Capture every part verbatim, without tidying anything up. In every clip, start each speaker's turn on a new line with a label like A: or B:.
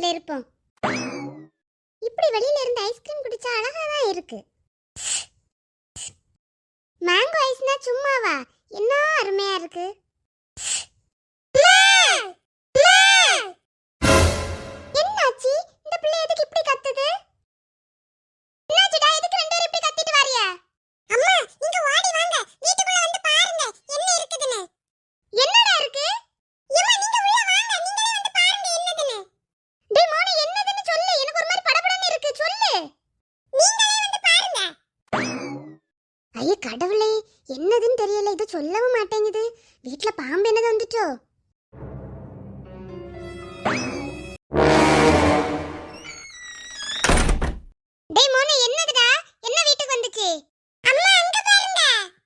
A: வீட்டுல இருப்போம். இப்படி வெளியில இருந்து ஐஸ்கிரீம் குடிச்சா அழகா தான் இருக்கு. மேங்கோ ஐஸ்னா சும்மாவா, என்ன அருமையா இருக்கு. என்னாச்சு இந்த பிள்ளை எதுக்கு இப்படி கத்துது? என்னாச்சுடா, எதுக்கு ரெண்டு பேரும் இப்படி கத்திட்டு வாரியா? அம்மா நீங்க ஓடி வாங்க, வீட்டுக்குள்ள வந்து பாருங்க என்ன இருக்குதுன்னு. என்னடா இருக்கு? ஏமா நீங்க உள்ள வாங்க, நீங்களே வந்து பாருங்க என்னதுன்னு. டேய் மோனே என்னதுன்னு சொல்லு, எனக்கு ஒரு மாதிரி படபடன்னு இருக்கு, சொல்லு. நீங்களே வந்து பாருங்க. ஐய கடவுளே, என்னதுன்னு தெரியல, இது சொல்லவும் மாட்டேங்குது. வீட்ல பாம்பு என்னது வந்துட்டோ? டேய் மோனே என்னதுடா, என்ன வீட்டுக்கு வந்துச்சு? அம்மா அங்க பாருங்க.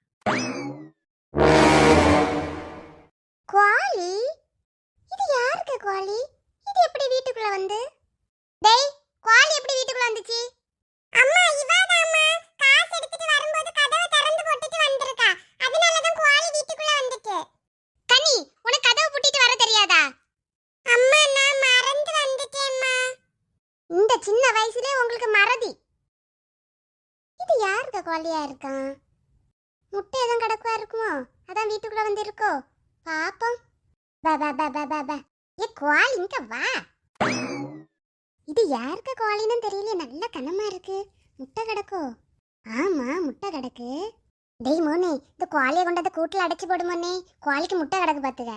A: கோழி? இது யாருக்கு கோழி? இது எப்படி வீட்டுக்குள்ள வந்து? டேய் கோழி எப்படி வீட்டுக்குள்ள வந்துச்சு? அம்மா இவாதான் அம்மா, காசு எடுத்துட்டு வரும்போது கதவை திறந்து போட்டுட்டு வந்திருக்கா, அதனால தான் கோழி வீட்டுக்குள்ள வந்துச்சு. கனி உனக்கு கதவை பூட்டிட்டு வர தெரியாதா? அம்மா நான் மறந்து வந்துட்டேன்மா. இந்த சின்ன வயசுலயே உங்களுக்கு மறதி. இது யாருக்கு கோழியா இருக்கான்? முட்டை எதுவும் கிடக்குவா இருக்குமோ, அதான் வீட்டுக்குள்ள வந்து இருக்கோ பாப்போம். பா பா பா பா பா பா. ஏ கோழி இங்க வா. இது யாருக்கு கோழின்னு தெரியல, நல்ல கனமா இருக்கு. முட்டை கிடக்கோ? ஆமா முட்டை கிடக்கு. டேய் மோனே, இந்த கோழியை கொண்டாந்து கூட்டுல அடைச்சு போடு மோனே, கோழிக்கு முட்டை கிடக்கு பாத்துக்க.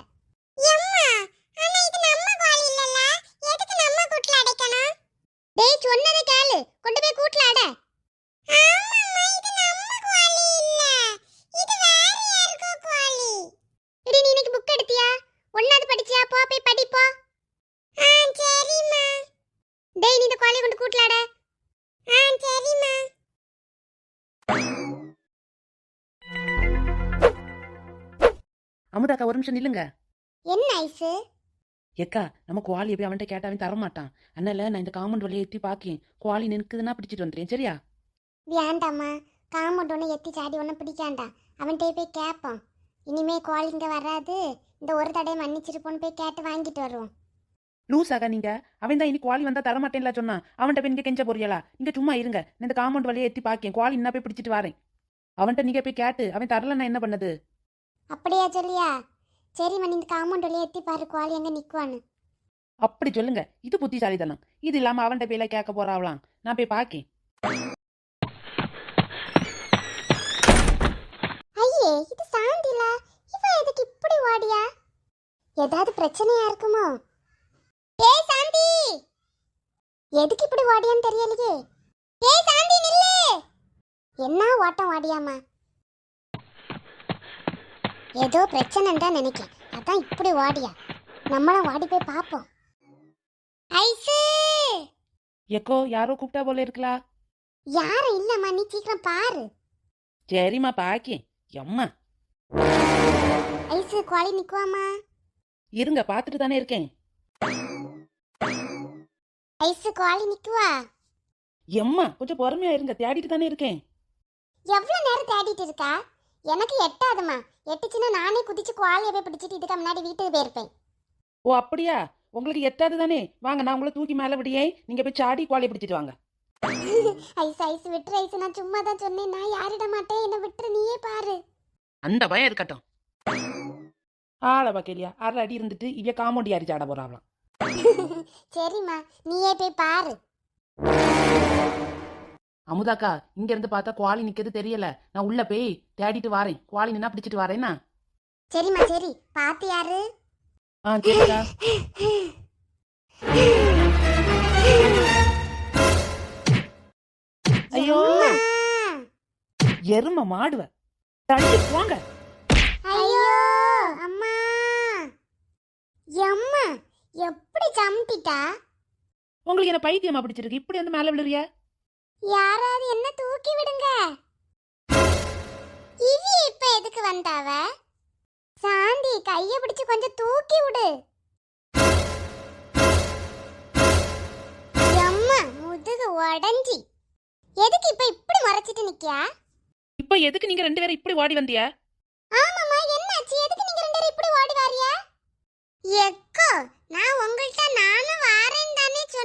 A: டேய் சொன்னதை கேளு, கொண்டு போய் கூட்டுல அட. ஆமாம்மா இது நம்ம கோழி இல்ல, இது வேற யாருக்கோ கோழி. எடி நீ இன்னைக்கு புக் எடுத்தியா? ஒண்ணாவது படிச்சியா? போ போய் படி போ. ஆ சரிம்மா. டேய் நீ இந்த கோழியை கொண்டு கூட்டுல அட. ஆ சரிம்மா.
B: அமுதாக்கா ஒரு நிமிஷம் நில்லுங்க.
A: என்ன ஐசு?
B: ஏக்கா நம்ம குவாலி போய் அவன்கிட்ட கேட்டாவே தரமாட்டான். அதனால நான் இந்த காம்பவுண்ட் வழியை எத்தி பாக்கேன், குவாலி நிற்குதுன்னா பிடிச்சிட்டு வந்துடுறேன். சரியா?
A: வேண்டாம்மா, காம்பவுண்ட் ஒன்று எத்தி சாடி ஒன்றும் பிடிக்காண்டா. அவன்கிட்ட போய் கேட்போம். இனிமே கோழி இங்கே வராது, இந்த ஒரு தடையை மன்னிச்சிருப்போன்னு போய் கேட்டு வாங்கிட்டு வருவோம்.
B: லூஸாக்கா நீங்க, அவன் தான் இனி குவாலி வந்தா தரமாட்டேன்ல சொன்னா, அவன்கிட்ட போய் நீங்க கெஞ்ச போறீங்களா? நீங்க சும்மா இருங்க, நான் இந்த காம்பவுண்ட் வழியை எத்தி பாக்கேன், குவாலி என்ன போய் பிடிச்சிட்டு வரேன். அவன்கிட்ட நீங்க போய் கேட்டு அவன் தரலன்னா என்ன பண்ணது?
A: அப்படியா சொல்லியா? சரிம்மா, நீ இந்த காம்பவுண்ட் வழியை எத்தி பாரு கோழி எங்கே நிற்குவான்னு.
B: அப்படி சொல்லுங்க, இது புத்திசாலித்தனம். இது இல்லாம அவன்கிட்ட போயில கேட்க போறாவலாம், நான் போய் பாக்கேன்.
A: ஐயே இது சாந்தில, இவ எதுக்கு இப்படி ஓடியா? ஏதாவது பிரச்சனையா இருக்குமோ? ஏய் சாந்தி, எதுக்கு இப்படி ஓடியான்னு தெரியலையே. ஏய் சாந்தி நில்லு. என்ன ஓட்டம் ஓடியாமா? ஏதோ பிரச்சனைன்னு தான் நினைக்கிறேன், அதான் இப்படி ஓடியா. நம்மளும் ஓடி போய் பார்ப்போம். ஐசு
B: எக்கோ யாரோ கூப்பிட்டா போல இருக்கலா?
A: யாரும் இல்லம்மா, நீ சீக்கிரம் பாரு.
B: சரிம்மா பாக்கேன். எம்மா
A: ஐசு கோழி நிக்குவாமா?
B: இருங்க பாத்துட்டு தானே இருக்கேன்.
A: ஐசு கோழி நிக்குவா?
B: எம்மா கொஞ்சம் பொறுமையா இருங்க, தேடிட்டு தானே இருக்கேன்.
A: எவ்வளவு நேரம் தேடிட்டு இருக்கா? எனக்கு எட்டாதுமா, எட்டுச்சுன்னா நானே குதிச்சு கோழியை போய் பிடிச்சிட்டு இதுக்கு முன்னாடி வீட்டுக்கு போயிருப்பேன்.
B: ஓ அப்படியா? உங்களுக்கு எட்டாது தானே, வாங்க நான் உங்களை தூக்கி மேல விடியே, நீங்க போய் சாடி கோழியை பிடிச்சிட்டு வாங்க.
A: ஐஸ் ஐஸ் விட்டுரு ஐஸ், நான் சும்மா தான் சொன்னேன், நான் யாரிட மாட்டேன், என்ன விட்டுரு, நீயே பாரு.
B: அந்த பயம் இருக்கட்டும். ஆள பாக்கலையா, அரை அடி இருந்துட்டு இவ காமோண்டி அரிச்சு ஆட போறாங்களாம்.
A: சரிம்மா நீயே போய் பாரு.
B: அமுதாக்கா இங்க இருந்து பார்த்தா குவாலி நிக்கிறது தெரியல, நான் உள்ள போய் தேடிட்டு வாரேன், குவாலி நின்னா பிடிச்சிட்டு வரேன்னா.
A: சரிம்மா சரி, பாத்து யாரு?
B: ஆ சரிக்கா. ஐயோ எரும மாடுவ, தள்ளி போங்க.
A: ஐயோ அம்மா, எம்மா எப்படி சம்திட்டா?
B: உங்களுக்கு என்ன பைத்தியமா பிடிச்சிருக்கு, இப்படி வந்து மேல விழுறியா?
A: யாராவது என்ன தூக்கி விடுங்க. இவி இப்ப எதுக்கு வந்தாவ? சாந்தி கைய பிடிச்சு கொஞ்சம் தூக்கி விடு. எம்மா முதுகு உடஞ்சி, எதுக்கு இப்ப இப்படி மறைச்சிட்டு நிக்கியா?
B: இப்ப எதுக்கு நீங்க ரெண்டு பேரும் இப்படி ஓடி வந்தியா?
A: ஆமாமா என்னாச்சு, எதுக்கு நீங்க ரெண்டு பேரும் இப்படி ஓடி வாரியா? எக்கோ நான் உங்கள்ட்ட நானும் வாரேன் தானே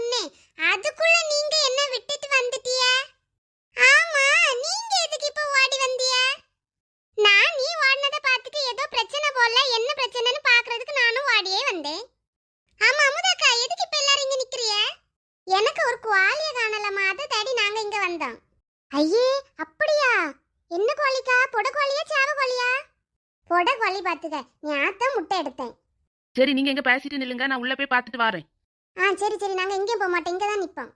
A: இல்லக்கா ஒரு குவாலிய காணலம்மா, அதை தேடி நாங்க இங்க வந்தோம். ஐயே அப்படியா? என்ன கோழிக்கா? பொட கோழியா சேவ கோழியா? பொட கோழி பாத்துக்க, ஞாத்தான் முட்டை எடுத்தேன்.
B: சரி நீங்க எங்க பேசிட்டு நில்லுங்க, நான் உள்ள போய் பார்த்துட்டு வரேன்.
A: ஆ சரி சரி, நாங்க எங்கேயும் போக மாட்டோம், இங்க தான் நிப்போம்.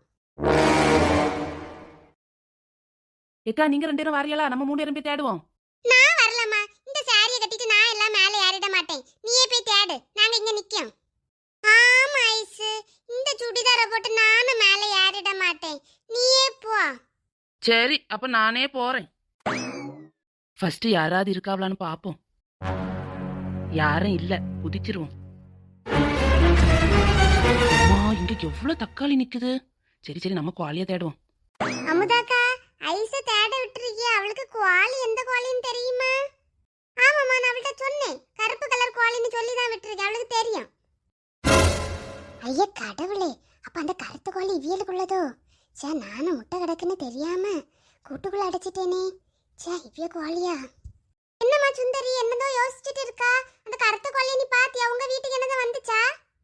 B: ஏக்கா நீங்க ரெண்டு பேரும் வாரியலா? நம்ம மூணு பேரும் போய் தேடுவோம்.
A: நான் வரலம்மா, இந்த சாரியை கட்டிட்டு நான் எல்லாம் மேலே ஏறிட மாட்டேன். நீயே போய் தேடு, நாங்க இங்க நிக்கோம். ஆமா ஐசு, இந்த சுடிதாரை போட்டு நானும் மேலே ஏறிட மாட்டேன். நீயே போ.
B: சரி அப்ப நானே போறேன். ஃபர்ஸ்ட் யாராவது இருக்காவலான்னு பாப்போம். யாரும் இல்ல, குதிச்சிருவோம். அம்மா, இங்க எவ்வளவு தக்காளி நிக்குது. சரி சரி நம்ம குவாலியா தேடுவோம்.
A: அமுதாக்கா, ஐச தேட விட்டுருக்கிய, அவளுக்கு குவாலி எந்த குவாலின்னு தெரியுமா? ஆமாம்மா, நான் அவள்கிட்ட சொன்னேன், கருப்பு கலர் குவாலின்னு சொல்லி தான் விட்டுருக்கேன், அவளுக்கு தெரியும். ஐயா கடவுளே, அப்ப அந்த கருத்து கோழி இவியலுக்குள்ளதோ? சே, நானும் முட்டை கிடக்குன்னு தெரியாம கூட்டுக்குள்ள அடைச்சிட்டேனே. சே, இவ்விய கோழியா? என்னம்மா சுந்தரி, என்னதோ யோசிச்சுட்டு இருக்கா? அந்த கருத்து கோழியை நீ பாத்தியா? உங்க வீட்டுக்கு என்னதான் வந்துச்சா?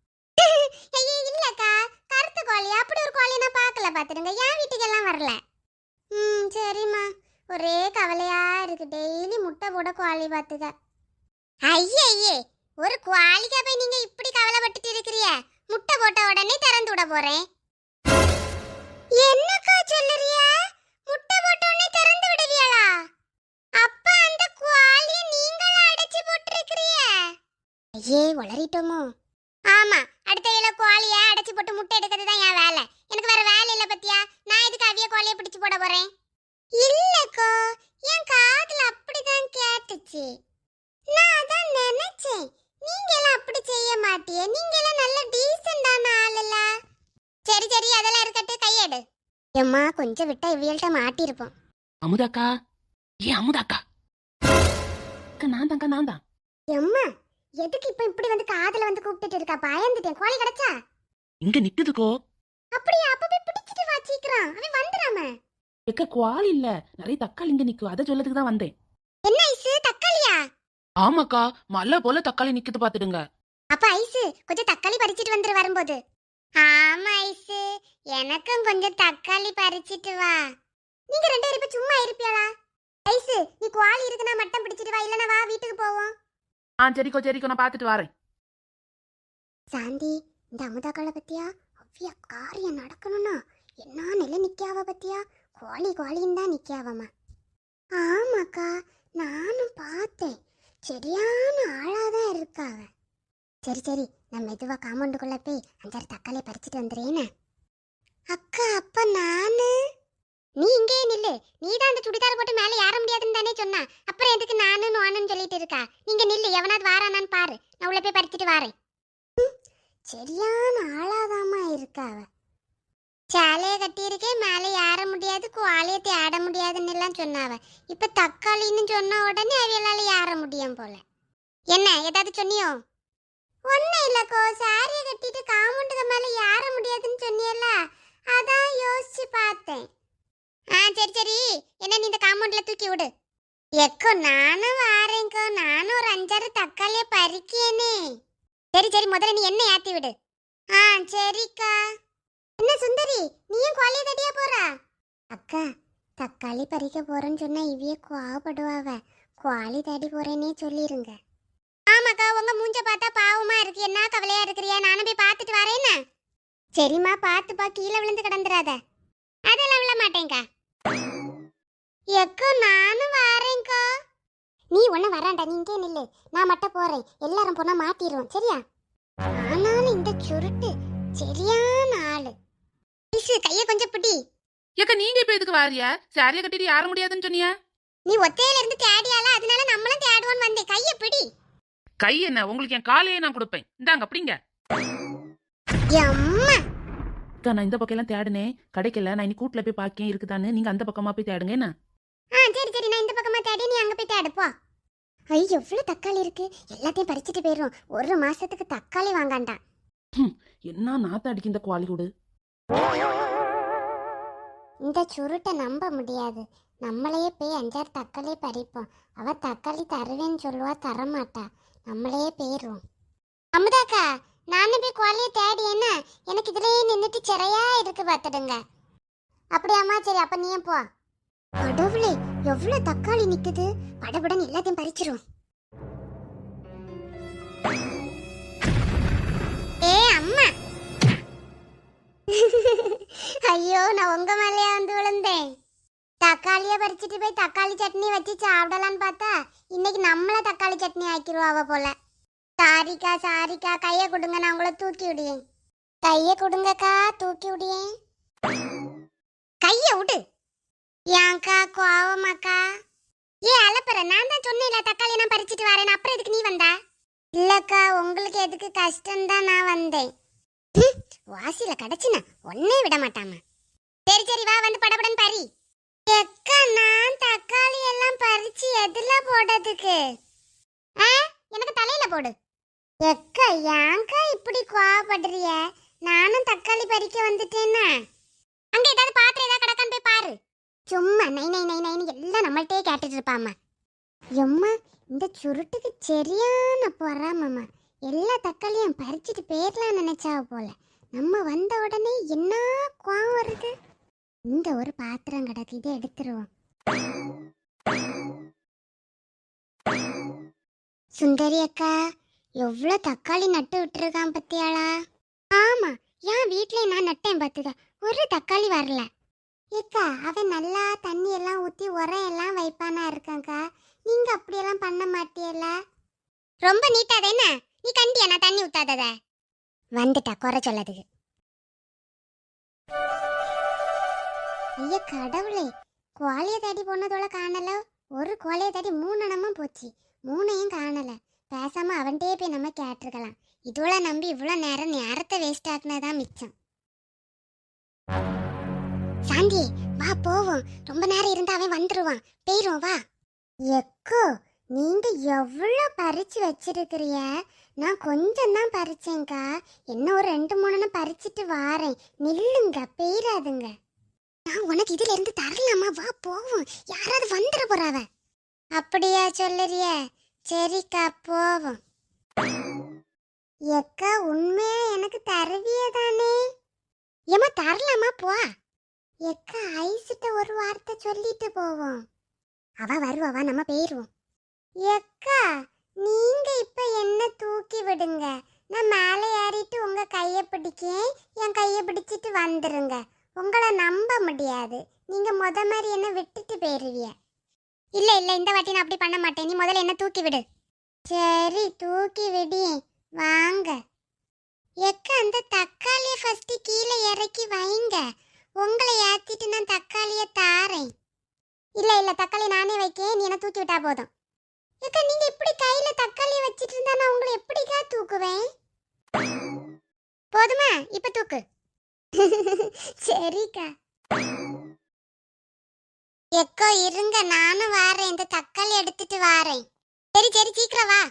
A: ஐயே இல்லக்கா, கருத்து கோழி அப்படி ஒரு கோழியை நான் பார்க்கல, பாத்துடுங்க. என் வீட்டுக்கு எல்லாம் வரல. ம் சரிம்மா, ஒரே கவலையா இருக்கு, டெய்லி முட்டை போட கோழி பாத்துக்க. ஐயே ஐயே, ஒரு குவாலிக்கா போய் நீங்க இப்படி கவலைப்பட்டுட்டு இருக்கிறிய? முட்டை போட்ட உடனே திறந்து விட போறேன். என்னக்கா சொல்லுறிய? முட்டை போட்ட உடனே திறந்து விடுவியலா? அப்ப அந்த குவாலிய நீங்களா அடைச்சு போட்டுருக்கிறிய? ஐயே உளறிட்டோமோ? ஆமா, அடுத்த இல குவாலிய அடைச்சு போட்டு முட்டை எடுக்கிறது தான் என் வேலை. எனக்கு வேற வேலை இல்ல பத்தியா? நான் இதுக்கு அவிய குவாலிய பிடிச்சு போட போறேன். இல்லக்கா, என் காதுல அப்படிதான் கேட்டுச்சு. நான் அதான் நினைச்சேன், நீங்க எல்லாம் அப்படி செய்ய மாட்டியே, நீங்க எல்லாம் நல்ல டீசென்டான ஆளுல. சரி சரி, அதெல்லாம் இருக்கட்டும், கையெடு. எம்மா, கொஞ்சம் விட்டா இவியல்ட்ட மாட்டிருப்போம்.
B: அமுதாக்கா, ஏ அமுதாக்கா, அக்கா நான் தான்க்கா, நான் தான்.
A: எம்மா, எதுக்கு இப்ப இப்படி வந்து காதுல வந்து கூப்பிட்டுட்டு இருக்கா? பயந்துட்டேன். கோழி கிடைச்சா?
B: இங்க நிக்குதுக்கோ.
A: அப்படியே, அப்ப போய் பிடிச்சிட்டு வா சீக்கிரம், அவன் வந்துடாம.
B: எக்க குவாலி இல்ல, நிறைய தக்காளி இங்க நிக்கும், அதை சொல்லதுக்கு தான் வந்தேன்.
A: என்ன ஐசு, தக்காளியா?
B: ஆமாக்கா, மலை போல தக்காளி நிக்குது பாத்துடுங்க.
A: அப்ப ஐசு, கொஞ்சம் தக்காளி பறிச்சிட்டு வந்துரு வரும்போது. ஆமா ஐசு, எனக்கும் கொஞ்சம் தக்காளி பறிச்சிட்டு வா. நீங்க ரெண்டு பேரும் இப்ப சும்மா இருப்பியாளா? ஐசு, நீ குவாலி இருக்குன்னா மட்டும் பிடிச்சிட்டு வா, இல்லனா வா வீட்டுக்கு போவோம்.
B: ஆ சரிக்கோ சரிக்கோ, நான் பாத்துட்டு வரேன்.
A: சாந்தி, இந்த அமுதாக்களை பத்தியா? அவ்விய காரியம் நடக்கணும்னா என்ன நிலை நிக்காவ பத்தியா? கோழி கோழின்னு தான் நிக்காவம்மா. ஆமாக்கா, நானும் பார்த்தேன், சரியான ஆளாதான் இருக்காவ. சரி சரி, நான் மெதுவா காம்பவுண்டுக்குள்ள போய் அஞ்சாறு தக்காளி பறிச்சுட்டு வந்துடுறேன்னு. அக்கா, அப்ப நானு? நீ இங்கே நில்லு, நீ தான் அந்த சுடிதார் போட்டு மேலே ஏற முடியாதுன்னு தானே சொன்னா, அப்புறம் எதுக்கு நானு நானுன்னு சொல்லிட்டு இருக்கா? நீங்க நில்லு, எவனாவது வாரானான்னு பாரு, நான் உள்ள போய் பறிச்சுட்டு வாரேன். சரியான ஆளாதாமா இருக்காவ. சேலைய கட்டியிருக்கேன், மேலே ஏற முடியாது, குவாலியை தேட முடியாதுன்னு எல்லாம் சொன்னாவ. இப்ப தக்காளின்னு சொன்ன உடனே அவையலால ஏற முடியும் போல. என்ன ஏதாவது சொன்னியோ? ஒன்னும் இல்லக்கோ, சாரியை கட்டிட்டு காம்பவுண்டுக்கு மேல ஏற முடியாதுன்னு சொன்னியல்ல, அதான் யோசிச்சு பார்த்தேன். ஆ சரி சரி, என்ன நீ இந்த காம்பவுண்ட்ல தூக்கி விடு. எக்கோ நானும் வாரேங்கோ, நானும் ஒரு அஞ்சாறு தக்காளிய பறிக்கேனே. சரி சரி, முதல்ல நீ என்ன ஏத்தி விடு. ஆ சரிக்கா. என்ன சுந்தரி, நீயும் கோழிய தட்டியா போறா? அக்கா, தக்காளி பறிக்க போறேன்னு சொன்னா இவிய கோவப்படுவாவ, கோழி தேடி போறேன்னே சொல்லிருங்க. ஆமாக்கா, உங்க மூஞ்ச பார்த்தா பாவமா இருக்கு, என்ன கவலையா இருக்கிறியா? நானும் போய் பார்த்துட்டு வரேன்னா. சரிம்மா, பார்த்துப்பா, கீழே விழுந்து கிடந்துடாத. அதெல்லாம் விழ மாட்டேங்கா. எக்கோ நானும் வரேன்க்கா. நீ ஒன்னும் வராண்டா, நீ இங்கே நில்லு, நான் மட்டும் போறேன், எல்லாரும் போனா மாட்டிடுவோம், சரியா? ஆனாலும் இந்த சுருட்டு சரியான ஆளு. கைய கொஞ்சம் பிடி.
B: ஏக்கா நீங்க இப்ப எதுக்கு வாரியா? சாரியா கட்டிட்டு ஏற முடியாதுன்னு சொன்னியா?
A: நீ ஒத்தையில இருந்து தேடியால, அதனால நம்மளும் தேடுவோன்னு வந்தேன். கைய பிடி.
B: கை என்ன, உங்களுக்கு என் காலையே நான் கொடுப்பேன், இந்தாங்க அப்படிங்க.
A: அம்மா,
B: நான் இந்த பக்கம் எல்லாம் தேடுனேன், கிடைக்கல. நான் இனி கூட்டுல போய் பாக்கேன் இருக்குதான்னு, நீங்க அந்த பக்கமா போய் தேடுங்க என்ன.
A: ஆ சரி சரி, நான் இந்த பக்கமா தேடி, நீ அங்க போய் தேடு போ. ஐ, எவ்வளவு தக்காளி இருக்கு, எல்லாத்தையும் பறிச்சிட்டு போயிரும். ஒரு மாசத்துக்கு தக்காளி வாங்காண்டா.
B: என்ன நாத்த அடிக்கு இந்த குவாலி கூடு.
A: இந்த சுருட்டை நம்ப முடியாது, நம்மளையே போய் அஞ்சாறு தக்காளி பறிப்போம். அவ தக்காளி தருவேன்னு சொல்லுவா, தரமாட்டா, நம்மளையே போயிரும். அமுதாக்கா, நானே போய் கோழியை தேடி என்ன எனக்கு இதுலயே நின்றுட்டு சிறையா இருக்கு பார்த்துடுங்க. அப்படியாம்மா, சரி அப்ப நீ போ. கடவுளே, எவ்வளவு தக்காளி நிக்குது! படபடன்னு எல்லாத்தையும் பறிச்சிரும். ஏ அம்மா! ஐயோ, நான் உங்க மேலேயே வந்து விழுந்தேன். தக்காளிய பறிச்சுட்டு போய் தக்காளி சட்னி வச்சு சாப்பிடலான்னு பார்த்தா இன்னைக்கு நம்மள தக்காளி சட்னி ஆக்கிடுவாவ போல. சாரிக்கா சாரிக்கா, கைய கொடுங்க, நான் உங்களை தூக்கி விடுவேன். கைய கொடுங்கக்கா, தூக்கி விடுவேன். கைய விடு. ஏன்க்கா கோவமாக்கா? ஏ அலப்பற, நான் தான் சொன்னேன்ல தக்காளி நான் பறிச்சுட்டு வரேன், அப்புறம் எதுக்கு நீ வந்தா? இல்லக்கா, உங்களுக்கு எதுக்கு கஷ்டம் தான் நான் வந்தேன். வாசியில கிடைச்சுனா ஒன்னே விட மாட்டாமா. சரி சரி வா, வந்து படபடன்னு பறி. எக்கா, நான் தக்காளி எல்லாம் பறிச்சு எதுல போடுறதுக்கு? ஆ, எனக்கு தலையில போடு. எக்கா, ஏன்க்கா இப்படி கோவப்படுறிய? நானும் தக்காளி பறிக்க வந்துட்டேன்னா. அங்க ஏதாவது பாத்திரம் ஏதாவது கிடக்கான்னு போய் பாரு. சும்மா நை நை நை நைன்னு எல்லாம் நம்மள்ட்டே கேட்டுட்டு இருப்பாம்மா. எம்மா, இந்த சுருட்டுக்கு சரியான பொறாமம்மா. எல்லா தக்காளியும் பறிச்சுட்டு போயிடலாம் நினைச்சா போல. நம்ம வந்த உடனே என்ன கோவம் வருது. இந்த ஒரு பாத்திரம் கிடக்கு, இதை எடுத்துருவோம். சுந்தரி அக்கா, எவ்வளவு தக்காளி நட்டு விட்டுருக்கான் பத்தியாளா? ஆமா, என் வீட்லயே நான் நட்டேன் பார்த்துக்க, ஒரு தக்காளி வரல. ஏக்கா, அவன் நல்லா தண்ணி எல்லாம் ஊத்தி உரம் எல்லாம் வைப்பானா இருக்காங்கக்கா. நீங்க அப்படியெல்லாம் பண்ண மாட்டியல்ல? ரொம்ப நீட்டாத என்ன நீ கண்டியா நான் தண்ணி ஊத்தாதத? வந்துட்டா குறை சொல்லதுக்கு. ஐயா கடவுளே, கோழியை தேடி போனதோட காணல. ஒரு கோழியை தேடி மூணு அணமும் போச்சு, மூணையும் காணல. பேசாம அவன்கிட்டயே போய் நம்ம கேட்டிருக்கலாம். இதோட நம்பி இவ்வளோ நேரம் நேரத்தை வேஸ்ட் ஆக்குனதான் மிச்சம். சாந்தி வா போவோம், ரொம்ப நேரம் இருந்தா அவன் வந்துருவான். போயிரும் வா. எக்கோ, நீங்க எவ்வளோ பறிச்சு வச்சிருக்கிறிய? நான் கொஞ்சம் தான் பறிச்சேங்க்கா, என்ன ஒரு ரெண்டு மூணுன்னு பறிச்சுட்டு வாரேன். நில்லுங்க, பெயராதுங்க. நான் உனக்கு இதுல இருந்து தரலாமா? வா போவோம், யாராவது வந்துட போறாவ. அப்படியா சொல்லுறிய? சரிக்கா போவோம். எக்கா, உண்மையா எனக்கு தருவிய தானே? ஏமா தரலாமா? போ. எக்கா, ஐசிட்ட ஒரு வார்த்தை சொல்லிட்டு போவோம். அவ வருவாவா, நம்ம போயிருவோம். எக்கா, நீங்க இப்ப என்ன தூக்கி விடுங்க, நான் மேலே ஏறிட்டு உங்க கைய பிடிக்கேன், என் கைய பிடிச்சிட்டு வந்துருங்க. உங்களை நம்ப முடியாது, நீங்க முத மாதிரி என்ன விட்டுட்டு போயிருவிய. இல்ல இல்ல, இந்த வாட்டி நான் அப்படி பண்ண மாட்டேன். நீ முதல்ல என்ன தூக்கி விடு. சரி, தூக்கி விடி, வாங்க. எக்கா, அந்த தக்காளிய ஃபர்ஸ்ட் கீழே இறக்கி வைங்க, உங்களை ஏத்திட்டு நான் தக்காளிய தாரேன். இல்ல இல்ல, தக்காளி நானே வைக்கேன், நீ என்ன தூக்கி விட்டா போதும். ஏக்கா, நீங்க இப்படி கையில தக்காளிய வச்சிட்டு இருந்தா நான் உங்களை எப்படிக்கா தூக்குவேன்? போதுமா? இப்ப தூக்கு. சரிக்கா. எக்கோ இருங்க, நானும் வாரேன், இந்த தக்காளி எடுத்துட்டு வாரேன். சரி சரி, சீக்கிரம் வா.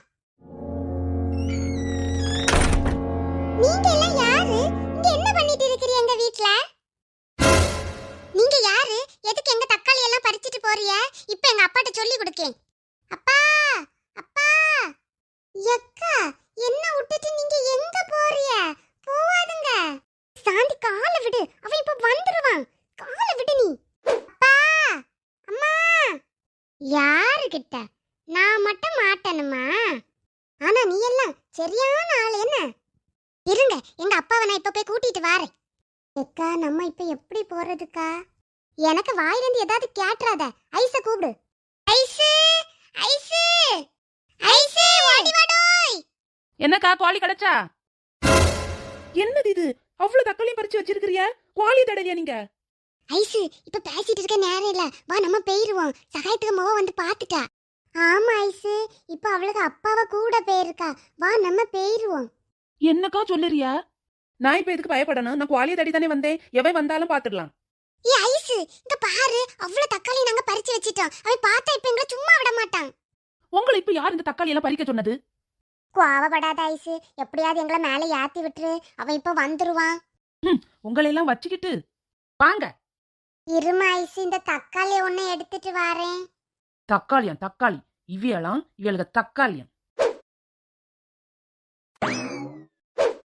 A: நீங்க எல்லாம் யாரு? இங்க என்ன பண்ணிட்டு இருக்கீங்க எங்க வீட்ல? நீங்க யாரு? எதுக்கு எங்க தக்காளி எல்லாம் பறிச்சிட்டு போறிய? இப்ப எங்க அப்பாட்ட சொல்லி கொடுக்கேன். அப்பா அப்பா. எக்கா, என்ன விட்டுட்டு நீங்க எங்க போறிய? போவாதுங்க. சாந்தி, காலை விடு, அவன் இப்ப வந்துருவான். காலை விடு நீ. அப்பா அம்மா. யாரு கிட்ட? நான் மட்டும் மாட்டணுமா? ஆனா நீ எல்லாம் சரியான ஆள். என்ன இருங்க, எங்க அப்பாவை நான் இப்ப போய் கூட்டிட்டு வாரேன். எக்கா, நம்ம இப்ப எப்படி போறதுக்கா? எனக்கு வாயிலிருந்து ஏதாவது கேட்றாத. ஐஸ கூப்பிடு. ஐஸு ஐஸு ஐஸு, ஓடி வாடோய்.
B: என்னக்கா, கோழி கிடைச்சா? என்னது இது, அவ்வளவு தக்காளியும் பறிச்சு வச்சிருக்கிறியா? கோழி தடவியா நீங்க?
A: ஐஸு, இப்ப பேசிட்டு இருக்க நேரம் இல்ல, வா நம்ம போயிருவோம். சகாயத்துக்கு மோவ வந்து பாத்துட்டா. ஆமா ஐஸு, இப்ப அவளுக்கு அப்பாவை கூட போயிருக்கா, வா நம்ம போயிருவோம்.
B: என்னக்கா சொல்லுறியா? நான் இப்ப எதுக்கு பயப்படணும்? நான் கோழியை தடி தானே வந்தேன், எவன் வந்தாலும் பாத்துடலாம்.
A: ஏ ஐஸு, இங்க பாரு, அவ்வளவு தக்காளி நாங்க பறிச்சு வச்சிட்டோம். அவன் பார்த்தா இப்ப எங்களை சும்மா விட மாட்டான்.
B: உங்களை இப்ப யார் இந்த தக்காளி எல்லாம் பறிக்க சொன்னது?
A: கோவப்படாத ஐஸு, எப்படியாவது எங்களை மேலே ஏத்தி விட்டுரு, அவன் இப்ப வந்துருவான்.
B: உங்களை எல்லாம் வச்சுக்கிட்டு வாங்க.
A: இருமா ஐஸு, இந்த தக்காளி ஒண்ணு எடுத்துட்டு வாரேன்.
B: தக்காளியம் தக்காளி, இவியெல்லாம் இவளுக்கு தக்காளியம்.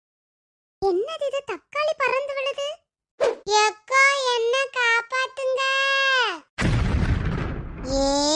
A: என்னது இது தக்காளி பறந்து விழுது எக்கா என்ன காப்பாத்துங்க ஏ